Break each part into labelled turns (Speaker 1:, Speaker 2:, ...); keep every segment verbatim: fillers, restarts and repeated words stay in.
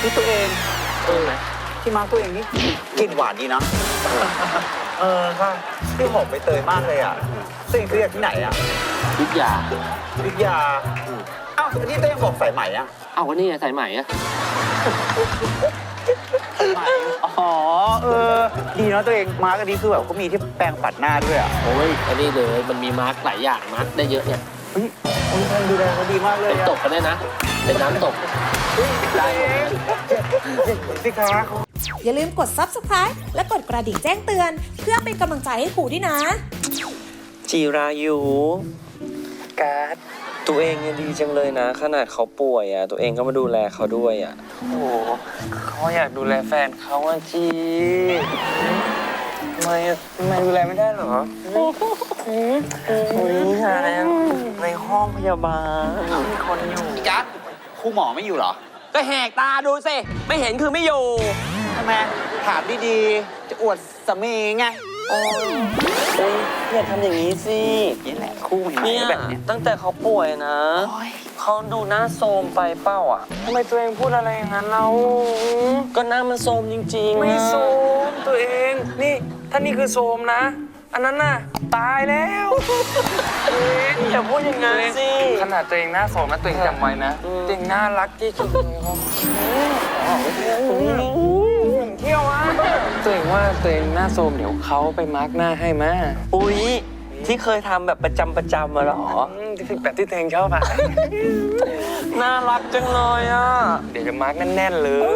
Speaker 1: ที่ตัวเอง
Speaker 2: เออ
Speaker 1: ที่มาร์กตัวเองนี่กลิ่นหวานดีนะเออค่ะที่หอมใบเตยมากเลยอ่ะตัวเองซื้อจากที่ไหนอ่ะ
Speaker 2: ยุทธยา
Speaker 1: ยุทธยาอ้าวที่ตัวเองบอกสายไหมอ่ะ
Speaker 2: เอาวันนี้สายไหมอ่ะ
Speaker 1: อ๋อเออดีเนาะตัวเองมาร์กอันนี้คือแบบเขามีที่แปรงปัดหน้าด้วยอ่ะ
Speaker 2: โอ้ยอันนี้เลยมันมีมาร์กหลายอย่างมาร์กได้เยอะเนี่ย
Speaker 1: เฮ้ยคนดูแลเขาดีมากเลย
Speaker 2: เป็นตกกันได้นะเป็นน้ำตก
Speaker 1: ได้สิคะ
Speaker 3: อย่าลืมกด ซับสไครบ์ และกดกระดิ่งแจ้งเตือนเพื่อเป็นกำลังใจให้ครูด้วยนะ
Speaker 4: จิรายุการ์ดตัวเองยังดีจังเลยนะขนาดเขาป่วยอ่ะตัวเองก็มาดูแลเขาด้วยอ่ะ
Speaker 5: โอ้โหเขาอยากดูแลแฟนเขาอ่ะจีทำไมทำไมดูแลไม่ได้หรอโอ้ยหาแล้วในห้องพยาบาลมีคนอยู่
Speaker 1: จัดครูหมอไม่อยู่เหรอ
Speaker 4: ก็แหกตาดูสิไม่เห็นคือไม่อยู่
Speaker 1: ทำไมถามดีๆจะอวดสามีไง
Speaker 4: โอ้ยอย่าทำอย่างนี้สิ
Speaker 1: นี่แหละคู่ใหม่แบบนี้
Speaker 4: ตั้งแต่เขาป่วยนะเขาดูหน้าโทรมไปเป้าอ่ะ
Speaker 5: ทำไมตัวเองพูดอะไรอย่างนั้นเรา
Speaker 4: ก็หน้ามันโทรมจริงๆ
Speaker 5: ไม่โทรมตัวเองนี่ถ้านี่คือโทรมนะอันนั้นน่ะตายแล้ว
Speaker 4: อย่าพูดอย่างนั้นสิ
Speaker 5: ขนาดตัวเองหน้าโทรมนะตัวเองจำไว้นะตัวเองน่ารักที่สุดเลยครับเที่ยวอ่ะตัวเองว่าตัวเองหน้าโทรมเดี๋ยวเขาไปมาร์กหน้าให้มา
Speaker 4: อุ้ยที่เคยทำแบบประจำประจำมาหรอ
Speaker 5: แบบที่ตัวเองชอบอ่ะ
Speaker 4: น่ารักจังเลยอ่ะ
Speaker 5: เดี๋ยวจะมาร์กแน่นๆเลย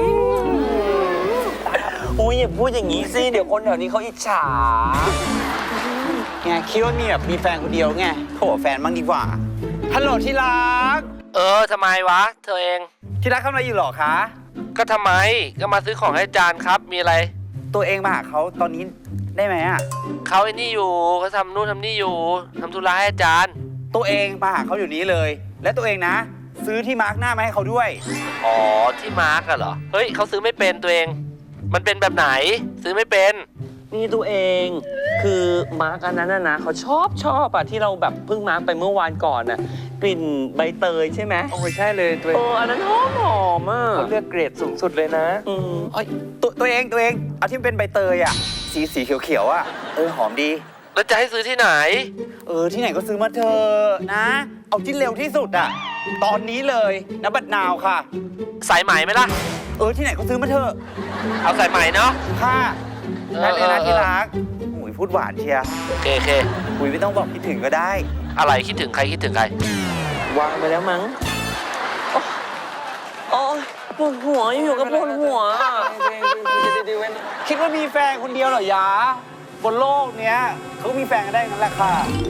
Speaker 4: อุ้ยอย่าพูดอย่างนี้สิเดี๋ยวคนแถวนี้เขาอิจฉา
Speaker 1: ไงคิดว่ามีแบบมีแฟนคนเดียวไงโถแฟนบ้างดีกว่าฮัลโหลที่รัก
Speaker 2: เออทำไมวะเธอเอง
Speaker 1: ที่รักทำอะไรอยู่หรอคะ
Speaker 2: ก็ทำไมก็มาซื้อของให้จานครับมีอะไร
Speaker 1: ตัวเองมาหาเขาตอนนี้ได้ไหมอ่ะ
Speaker 2: เขาไอ้นี่อยู่เขาทำนู่นทำนี่อยู่ทำธุระให้อาจารย์
Speaker 1: ตัวเองมาหาเขาอยู่นี้เลยและตัวเองนะซื้อที่มาร์กหน้ามาให้เขาด้วย
Speaker 2: อ๋อที่มาร์กอะเหรอเฮ้ยเขาซื้อไม่เป็นตัวเองมันเป็นแบบไหนซื้อไม่เป็น
Speaker 4: นี่ตัวเองคือมาร์กอันนั้นนะนะเขาชอบชอบอะที่เราแบบเพิ่งมาร์กไปเมื่อวานก่อนน่ะกลิ่นใบเตยใช่ไหม
Speaker 5: โอ้ใช่เลยตัวเอง
Speaker 4: โอ้อันนั้นหอมหอมอ่ะ
Speaker 5: เขาเลือกเกรดสูงสุดเลยนะ
Speaker 4: อืม
Speaker 1: เอ้ยตัวตัวเองตัวเองเอาที่เป็นใบเตยอะสีสีเขียวเขียวอะเออหอมดี
Speaker 2: แล้วจะให้ซื้อที่ไหน
Speaker 1: เออที่ไหนก็ซื้อมาเถอะนะเอาที่เร็วที่สุดอะตอนนี้เลยนะบัดนาวค่ะ
Speaker 2: สายไหมไหมล่ะ
Speaker 1: เออที่ไหนก็ซื้อมาเถอะ
Speaker 2: เอาสายไหมเนาะ
Speaker 1: ค่ะได้เลยนะที่รักอุ้ยพูดหวานเชียร์
Speaker 2: โอเคโอเค
Speaker 1: อุ้ยไม่ต้องบอกคิดถึงก็ได้
Speaker 2: อะไรคิดถึงใครคิดถึงใคร
Speaker 4: วางไปแล้วมั้งโอ้ยปวดหัวอยู่กับปวดหัว
Speaker 1: คิดว่ามีแฟนคนเดียวเหรอยะบนโลกเนี้ยเขามีแฟนกันได้งั้นแหละค่ะ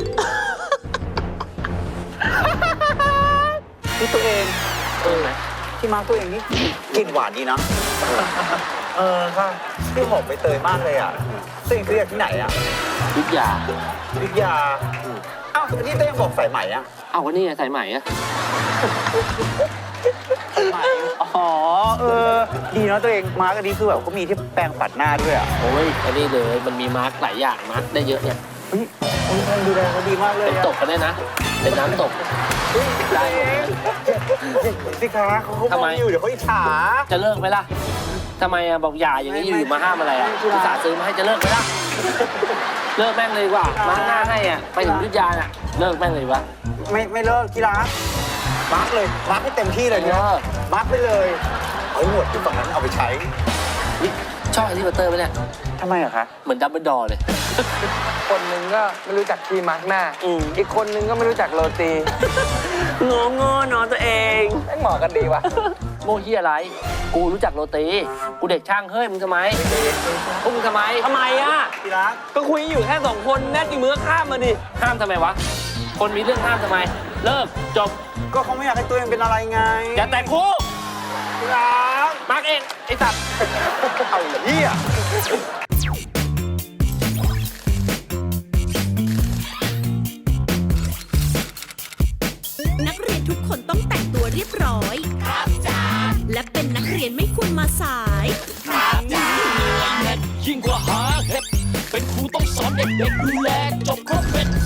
Speaker 1: ที่ตัวเองเออที่มาร์กตัวเองนี่กลิ่นหวานดีนะเออค่ะที่หอมใบเตยมากเลยอ่ะตัวเองซื้อจากที่ไหนอ่ะ
Speaker 2: ยุทธยา
Speaker 1: ยุทธยาอ้าวที่ตัวเองบอกสายไหมอ่ะ
Speaker 2: เอาวันนี้สายไหมอ่ะ
Speaker 1: อ๋อเออดีเนาะตัวเองมาร์กอันนี้คือแบบเขามีที่แปรงปัดหน้าด้วยอ่ะ
Speaker 2: โอ้ยอันนี้เลยมันมีมาร์กหลายอย่างมาร์กได้เยอะเนี่ย
Speaker 1: เฮ้ยคนดูแลเขาดีมากเลย
Speaker 2: เป็นตกกันได้นะเป็นน้ำตก
Speaker 1: ได้สิคะเขาเขาอยู่เดี๋ยวเขาอิจฉา
Speaker 2: จะเลิกไหมล่ะทำไมอ่ะบอกอย่าอย่างนี้อยู่มาห้ามอะไรอ่ะอุตส่าห์ซื้อมาให้จะเลิกไหมล่ะเลิกแม่งเลยดีกว่ามาร์กหน้าให้อ่ะไปถึงยุทธยาน่ะเลิกแม่งเลยวะ
Speaker 1: ไม่ไม่เลิกที่รักมาร์กเลยมาร์กให้เต็มที่เลยเนี่ยมาร์กไปเลยเอาหนวดอยู่ฝั่งนั้นเอาไปใช้
Speaker 2: ชอบไอ้ที่บัตเตอร์ไหมเนี่ย
Speaker 1: ทำไมอะคะ
Speaker 2: เหมือนดับเบิลดอร์เลย
Speaker 5: คนหนึ่งก็ไม่รู้จักที่มาร์กหน้าอีกคนนึงก็ไม่รู้จักโรตี
Speaker 4: งงงอนอนตัวเอง
Speaker 5: ไม่เหมาะกันดีวะ
Speaker 2: โมฮีอะไรกูรู้จักโรตีกูเด็กช่างเฮ้ยมึงทำไมพวกมึงทำไม
Speaker 4: ทำไมอ่ะ
Speaker 1: ที่รัก
Speaker 4: ก็คุยอยู่แค่สองคนแน่จริงมือข้ามมาดิ
Speaker 2: ห้ามทำไมวะคนมีเรื่องห้ามทำไมเลิกจบ
Speaker 1: ก็เขาไม่อยากให้ตัวเองเป็นอะไรไง
Speaker 2: อย่าแต่งคู่
Speaker 1: ที่รัก
Speaker 2: มาร์กเองไอ้สัตว์
Speaker 1: เอาเหี้ย
Speaker 3: นักเรียนทุกคนต้องแต่งตัวเรียบร้อยครับจ้าและเป็นนักเรียนไม่ควรมาสายครับจ้า
Speaker 6: ยิ่งกว่าหาเห็ดเป็นครูต้องสอนเด็กๆดูแลจบครบเป็น